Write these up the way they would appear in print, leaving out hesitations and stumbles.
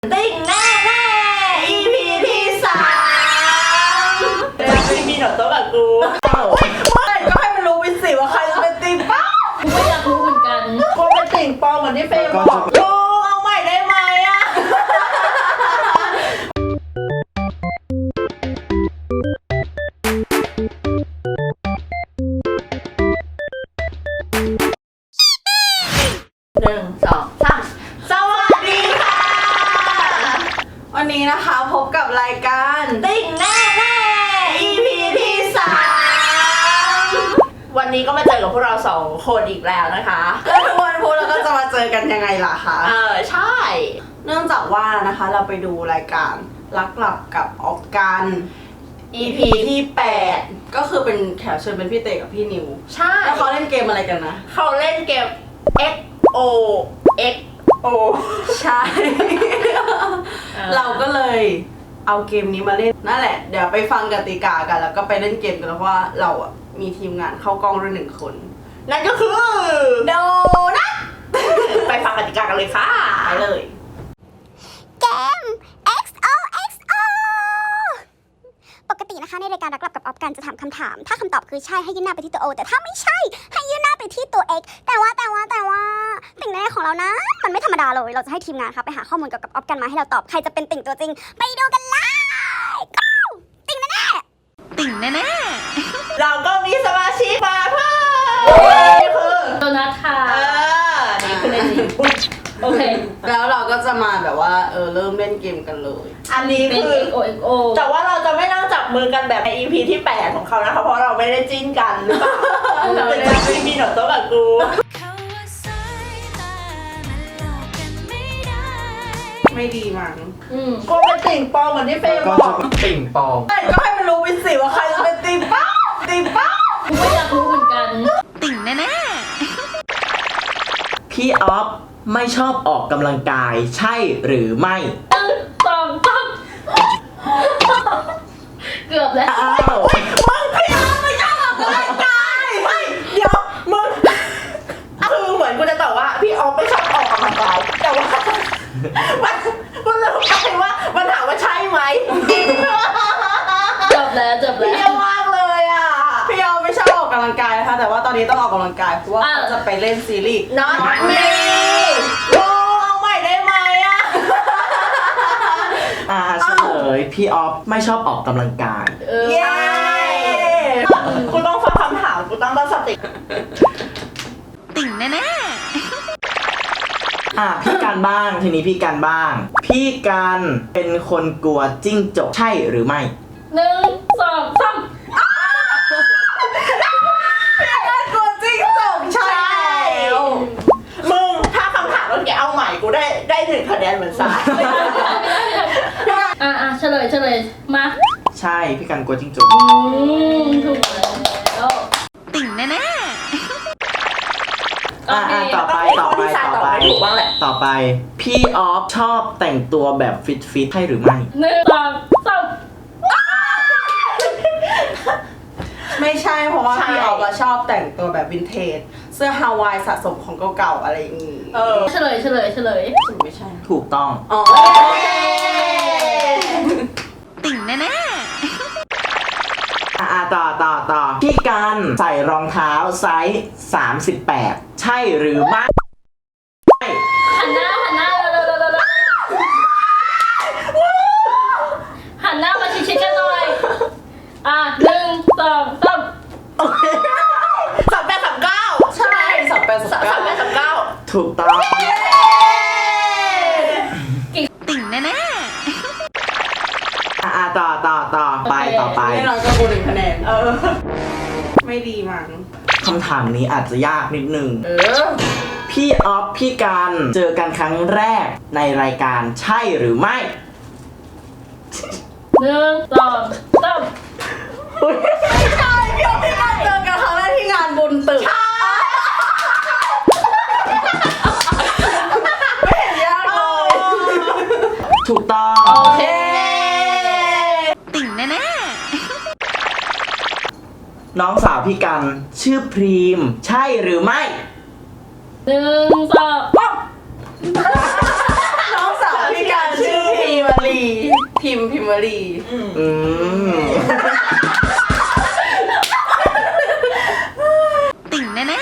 ติ่งแน่แน่ EP ที่3ไม่มีหนอโต๊ะกับกูไม่ก็ให้มันรู้วิสิว่าใครจะเป็นติ่งป้ากูไม่อยากรู้เหมือนกันกูเป็นติ่งปอเหมือนที่เฟย์บอกกูเอาใหม่ได้ไหมอะ1 2 3สวัสดีค่ะวันนี้นะคะพบกับรายการติ่งแน่แน่ EP ที่3วันนี้ก็มาเจอกับพวกเรา2คนอีกแล้วนะคะแล้วทุกวันพุธเราก็จะมาเจอกันยังไงล่ะคะใช่เนื่องจากว่านะคะเราไปดูรายการรักหลับกับออกกัน EP ที่8ก็คือเป็นแขกเชิญเป็นพี่เตกับพี่นิวใช่แล้วเขาเล่นเกมอะไรกันนะเขาเล่นเกม XO ใช่ เราก็เลยเอาเกมนี้มาเล่นนั่นแหละเดี๋ยวไปฟังกติกากันแล้วก็ไปเล่นเกมกันแล้วว่าเราอ่ะมีทีมงานเข้ากล้องด้วย1 คนนั่นก็คือโดนัทไปฟังกติกากันเลยค่ะไปเลยเกม XOXO ปกตินะคะในรายการรักหลับกับออฟกันจะถามคำถามถ้าคำตอบคือใช่ให้ยื่นหน้าไปที่ตัว O แต่ถ้าไม่ใช่ให้ยื่นหน้าไปที่ตัว X แต่ว่าติ่งแน่ของเรานะมันไม่ธรรมดาเลยเราจะให้ทีมงานค่ะไปหาข้อมูลเกี่ยวกับออฟกันมาให้เราตอบใครจะเป็นติ่งตัวจริงไปดูกันเลย Go ติ่งแน่เราก็มีสมาชิกมาเพิ่มนี่คือโดนัทค่ะนี่คือเล่นจริงโอเคแล้วเราก็จะมาแบบว่าเริ่มเล่นเกมกันเลยอันนี้คือ XOXO แต่ว่าเราจะไม่นั่งจับมือกันแบบใน EP ที่8ของเขานะคะเพราะเราไม่ได้จิ้นกันหรือเปล่าแต่จะไม่มีหนอโต๊ะกับกูไม่ดีมั้งกูเป็นติ่งปอเหมือนที่เฟย์บอกติ่งปองไม่ก็ให้มันรู้วิสิว่าใครจะเป็นติ่งป้ากูไม่อยากรู้เหมือนกันติ่งแน่พี่ออฟไม่ชอบออกกำลังกายใช่หรือไม่ 1 2 3เกือบแล้วมึงพี่ออฟไม่ชอบออกกำลังกายไม่เดี๋ยวมึงคือเหมือนกูจะตอบว่าพี่ออฟไม่ชอบออกกำลังกายแต่ว่ามันลืมไปว่ามันถามว่าใช่ไหมจบแล้วเยี่ยมมากเลยอ่ะพี่ออฟไม่ชอบออกกำลังกายนะคะแต่ว่าตอนนี้ต้องออกกำลังกายเพราะว่าเขาจะไปเล่นซีรีส์ Not me กูเอาใหม่ได้ไหมอ่ะเฉลยพี่ออฟไม่ชอบออกกำลังกายเย้กูต้องฟังคำถามกูต้องตั้งสติติ่งแน่พี่กันบ้างทีนี้พี่กันบ้างพี่กันเป็นคนกลัวจิ้งจกใช่หรือไม่ 1 2 3 กลัวจิ้งจกใช่มึงถ้าคำถามเมื่อกี้เอาใหม่กูได้1 คะแนนเหมือนสายเฉลยมาใช่พี่กันกลัวจิ้งจกถูกแล้วติ่งแน่ต่อไปพี่ออฟชอบแต่งตัวแบบฟิตใช่หรือไม่ 1 2 3 ไม่ใช่เพราะว่าพี่ออฟชอบแต่งตัวแบบวินเทจเสื้อฮาวายสะสมของเก่าๆอะไรอย่างงี้เฉลยไม่ใช่ถูกต้องติ่งแน่ต่อพี่กันใส่รองเท้าไซส์38ใช่หรือไม่หันหน้าหันหน้ามาชิดๆกันหน่อย1 2 3 3839ใช่ 3839 ถูกต้องติ่งแน่ต่อไปแน่นอนก็กู1 คะแนนไม่ดีมั้งคำถามนี้อาจจะยากนิดนึงพี่ออฟพี่กันเจอกันครั้งแรกในรายการใช่หรือไม่ 1 2 3 ไม่ใช่พี่ออฟพี่กันเจอกันครั้งแรกที่งานบุญตึกไม่เห็นยากเลยถูกต้องติ่งแน่น้องสาวพี่กันชื่อพรีมใช่หรือไม่ 1 2 3 น้องสาวพี่กันชื่อพิมพ์วลีอืมติ่งแน่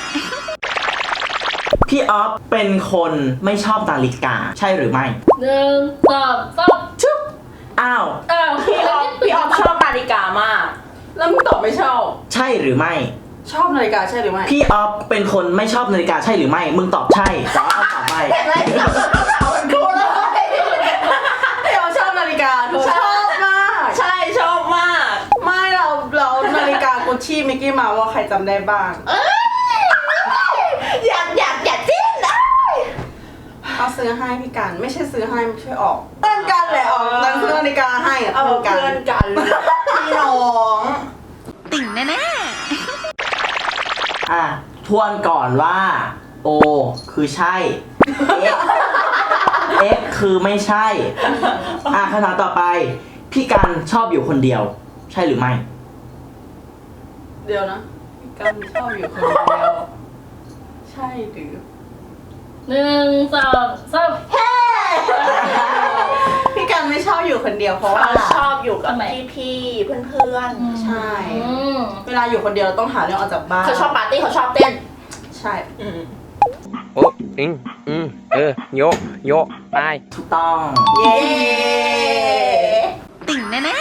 พี่ออฟเป็นคนไม่ชอบนาฬิกา ใช่หรือไม่ 1 2 3 ชุบอ้าวอ้าวพี่ออฟชอบนาฬิกามากแล้วมึงตอบไม่ชอบใช่หรือไม่ชอบนาฬิกาใช่หรือไม่พี่ออฟเป็นคนไม่ชอบนาฬิกาใช่หรือไม่ มึงตอบใช่แต่ว่าเอาตอบไม่เห็นไหมเอาเป็นคู่เลยพี่เราชอบนาฬิกาเธอชอบมากใช่ชอบมากไม่เรานาฬิกากุชชี่มิกกี้เมาส์ว่าใครจำได้บ้างอยากจิ้นนะเอาซื้อให้พี่กันไม่ใช่ซื้อให้ช่วยออกเพื่อนกันแหละออกนั่งซื้อนาฬิกาให้อะเอาเพื่อนกันเพื่อนกันพี่น้องๆ ติ่งแน่อ่ะทวนก่อนว่า O คือใช่ X คือไม่ใช่ อ่ะคำถามต่อไป พี่กันชอบอยู่คนเดียว ใช่หรือไม่เดี๋ยวนะพี่กันชอบอยู่คนเดียวใช่หรือ 1 2 3 พี่กันไม่ชอบอยู่คนเดียวเพราะว่าเขาชอบอยู่กับทำไมพี่เพื่อนใช่อืมเวลาอยู่คนเดียวเราต้องหาเรื่องออกจากบ้านเขาชอบปาร์ตี้เขาชอบเต้นใช่โอ้โยโยไปถูกต้องเย้ๆ ติ่งแน่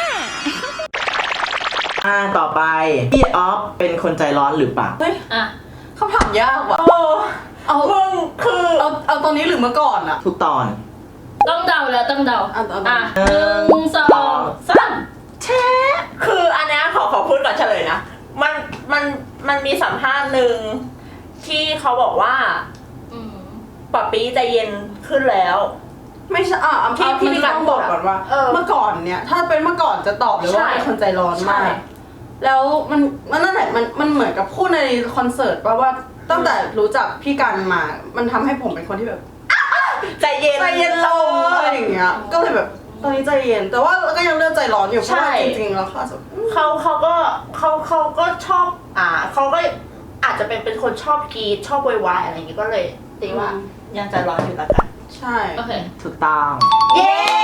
ต่อไป พี่ออฟเป็นคนใจร้อนหรือเปล่าเฮ้ยอ่ะคำถามยากว่ะเอามึงคือเอาตอนนี้หรือเมื่อก่อนอะทุกตอนต้องเดาแล้วต้องเดาเอาอ่ะ 1 2 3 เชฟคืออันเนี้ยขอพูดก่อนเฉลยนะ มันมีสัมภาษณ์หนึ่งที่เขาบอกว่าอืมป๊าปี้ใจเย็นขึ้นแล้วไม่ใช่ที่พี่มันกัต้นองบอกก่อนว่าเออเมื่อก่อนเนี่ย ถ้าเป็นเมื่อก่อนจะตอบเลยว่าใช่เป็นคนใจร้อนใช่มาก แล้วมันนั่นแหละมันเหมือนกับพูดในคอนเสิร์ตว่าตั้งแต่รู้จักพี่กันมา มันทำให้ผมเป็นคนที่แบบใจเย็นใจเย็นลงอะไรอย่างเงี้ย ก็เลยแบบตอนนี้ใจเย็น แต่ว่าก็ยังเลือกใจร้อนอยู่เพราะว่าใช่จริงๆแล้วค่ะเขาก็ชอบเขาก็อาจจะเป็นคนชอบกรีดชอบโวยวายอะไรอย่างงี้ก็เลยตีว่ายังใจร้อนอยู่แล้วกันใช่โอเคถูกต้องเย้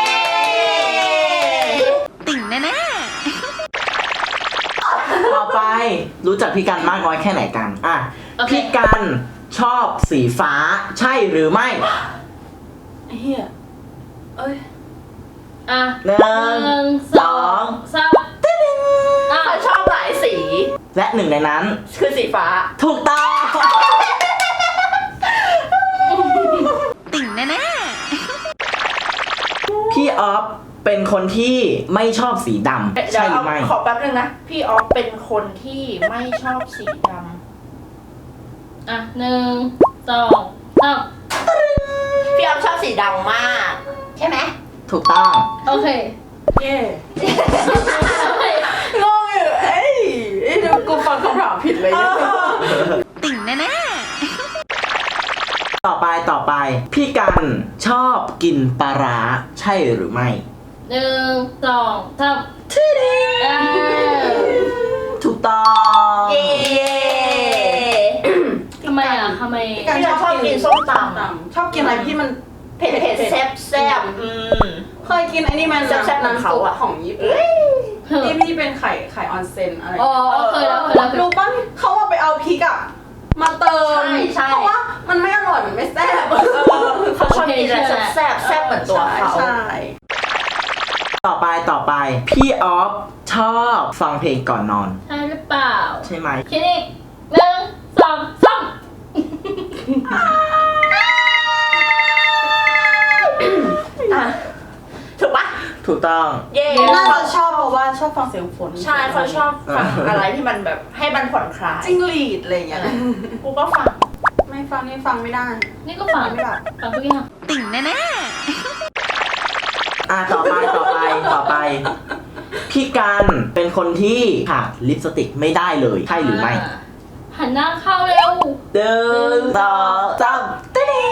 ๆ ติ่งแน่ต่อไปรู้จักพี่กันมากน้อยแค่ไหนกัน อ่ะโอเคพี่กันชอบสีฟ้า ใช่หรือไม่เฮียเอ้ยอ่ะหนึ่ง 1 สอง 2 3อ่ะเขาชอบหลายสีและหนึ่งในนั้นคือสีฟ้าถูกต้องๆ ติ่งแน่พี่ออฟเป็นคนที่ไม่ชอบสีดำเดี๋ใช่ยวหรือไม่ขอแป๊บนึงนะ พี่ออฟเป็นคนที่ไม่ชอบสีดอ่ะ1 2 3 ำพี่ออฟชอบสีดำมาก ใช่ไหมถูกต้องโอเคเย่โอเคงงอยู่เอ้ยเดี๋ยวกูฟังคำถามผิดเลยๆ ติ่งแน่ต่อไป พี่กันชอบกินปลาร้า ใช่หรือไม่ 1 2 3 ถูกต้องเย้ทำไมอ่ะทำไมพี่กันชอบกินส้มตำชอบกินอะไรที่มันเผ็ดแซ่บเคยกินไอ้นี่มันแซ่บๆของเขาอะของญี่ปุ่นที่เป็นไข่ออนเซ็นอะไรอ๋อเคยแล้วรู้ป่ะเขาว่าไปเอาพริกอะมาเติมใช่เพราะว่ามันไม่อร่อยมันไม่แซ่บเขาชอบกินอะไรแซ่บเหมือนตัวเขาใช่ต่อไป พี่ออฟชอบฟังเพลงก่อนนอนใช่หรือเปล่าใช่ไหมคิดอีก1 2 3 อ่ะถูกปะถูกต้องเย้น่าจะชอบเพราะว่าชอบฟังเสียงฝนใช่เขาชอบฟังอะไรที่มันแบบให้มันผ่อนคลายจิ้งหรีดอะไรอย่างเงี้ยกูก็ฟังไม่ฟังนี่ฟังไม่ได้นี่ก็ฟังไม่ได้ฟังทุกอย่างๆ ติ่งแน่ต่อไป พี่กันเป็นคนที่ขาดลิปสติกไม่ได้เลย ใช่หรือไม่หันหน้าเข้าเร็วเดินต่อจำติ๊ง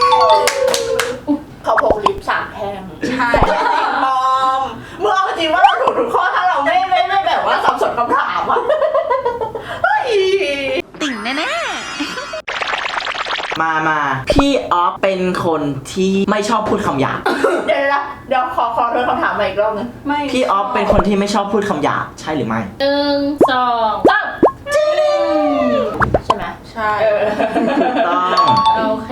เขาพกลิป3 แท่งใช่มอมมึงเอาจริงว่าเราถูกทุกข้อถ้าเราไม่แบบว่าสับสนคำถามอ่ะเฮ้ยๆ ติ่งแน่มาพี่ออฟเป็นคนที่ไม่ชอบพูดคำหยาบเดี๋ยวขอเธอคำถามมาอีกรอบนึงไม่พี่ออฟเป็นคนที่ไม่ชอบพูดคำหยาบใช่หรือไม่ 1 2 3 ใช่ไหมใช่ต้องโอเค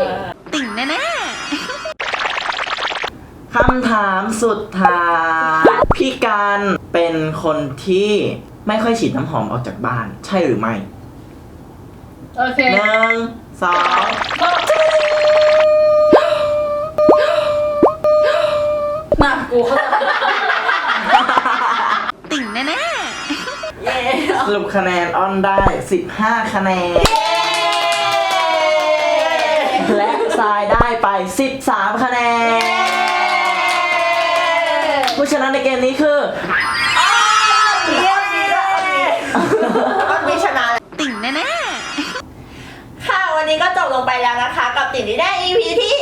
คำถามสุดท้ายพี่การเป็นคนที่ไม่ค่อยฉีดน้ำหอมออกจากบ้านใช่หรือไม่โอเค 1 2 น่ะกูเข้าใจเย้สรุปคะแนนออนได้15คะแนนและทรายได้ไป13คะแนนผู้ชนะในเกมนี้คือเยี่ยมดีด้วยก็มีชนะติ่งแน่ๆค่ะวันนี้ก็จบลงไปแล้วนะคะ กับติ่งนี้ได้ EP ที่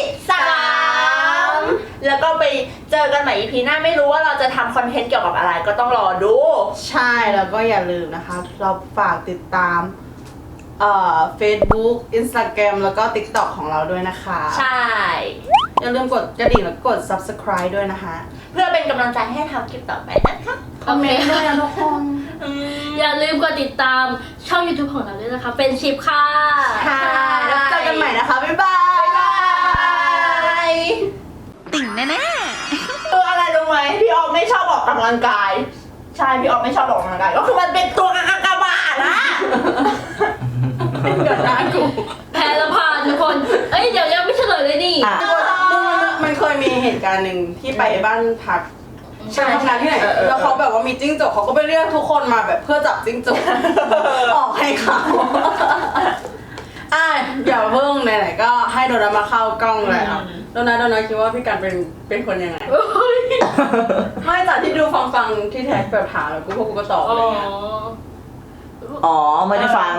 3แล้วก็ไปเจอกันใหม่ EP หน้าไม่รู้ว่าเราจะทำคอนเทนต์เกี่ยวกับอะไรก็ต้องรอดูใช่แล้วก็อย่าลืมนะคะ เราฝากติดตามFacebook Instagram แล้วก็ TikTok ของเราด้วยนะคะใช่อย่าลืมกดกระดิ่งแล้วกด Subscribe ด้วยนะคะเพื่อเป็นกำลังใจให้ทำคลิปต่อไปนะคะคอมเมนต์ด้วยนะทุกคนอย่าลืมกดติดตามช่อง YouTube ของเราด้วยนะคะ เป็นชิปค่ะค่ะแล้วเจอกันใหม่นะคะ บ๊ายบายบ๊ายบายคืออะไรรู้ไหมพี่ออมไม่ชอบออกกำลังกาย ใช่พี่ออมไม่ชอบออกกำลังกายก็คือมันเป็นตัวกากบาทนะเกิดหน้ากูแพ้และพานทุกคน เอ้ย เดี๋ยวยังไม่เฉลยเลยนี่อ่ะมันเคยมีเหตุการณ์หนึ่งที่ไปบ้านพักใช่ทำงานที่ไหน แล้วเขาแบบว่ามีจิ้งจกเขาก็ไปเรียกทุกคนมาแบบเพื่อจับจิ้งจก ออกให้เขาอย่าเพิ่งไหนๆก็ให้โดนัทมาเข้ากล้องแล้วโดนัทคิดว่าพี่การเป็นคนยังไง ไม่จากที่ดูฟังที่แท็กแบบถามแล้วพวกกูก็ตอบอะไรเงี้ยอ๋อไม่ได้ฟัง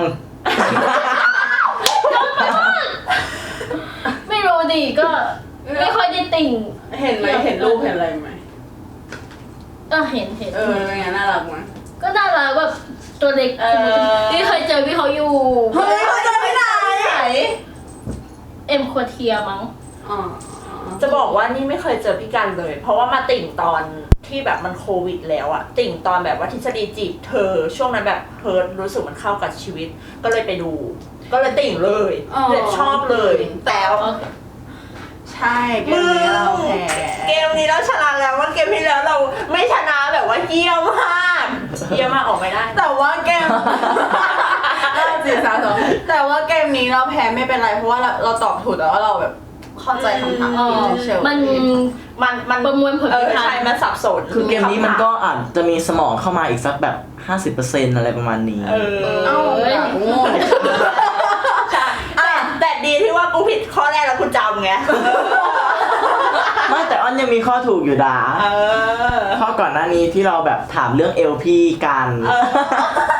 ไม่รู้ดิก็ไม่ค่อยได้ติ่งเห็นไหมเห็นรูปเห็นอะไรไหมเห็นเป็นไงน่ารักไหมก็น่ารักแบบตัวเล็กที่เคยเจอพี่เขาอยู่เฮ้ยเขาจะไปไหนเอ็มควเทียมั้งอ๋อจะบอกว่านี่ไม่เคยเจอพี่กันเลย เพราะว่ามาติ่งตอนที่แบบมันโควิดแล้วอะติ่งตอนแบบว่าทฤษฎีจีบเธอช่วงนั้นแบบเพิร์ดรู้สึกมันเข้ากับชีวิต ก็เลยไปดู ก็เลยติ่งเลยเลยชอบเลยแต่ใช่เกมนี้เราแพ้เกมนี้เราชนะแล้วว่าเกมที่แล้วเราไม่ชนะแบบว่าเยี่ยมมากเยี่ยมมากออกไม่ได้แต่ว่าเกม 4-3-2แต่ว่าเกมนี้เราแพ้ไม่เป็นไรเพราะว่าเราตอบถูกแต่ว่าเราแบบเข้าใจคำถามที่เฉยๆมันประมวลผลไม่ทันใช่มันสับสนคือเกมนี้มันก็อาจจะมีสมองเข้ามาอีกสักแบบ 50% อะไรประมาณนี้เอ้าโง่แต่ดีที่ว่ากูผิดข้อแรกแล้วกูจำไงไม่แต่อ้อนยังมีข้อถูกอยู่ดาข้อก่อนหน้านี้ที่เราแบบถามเรื่องเอลพี่กันเออ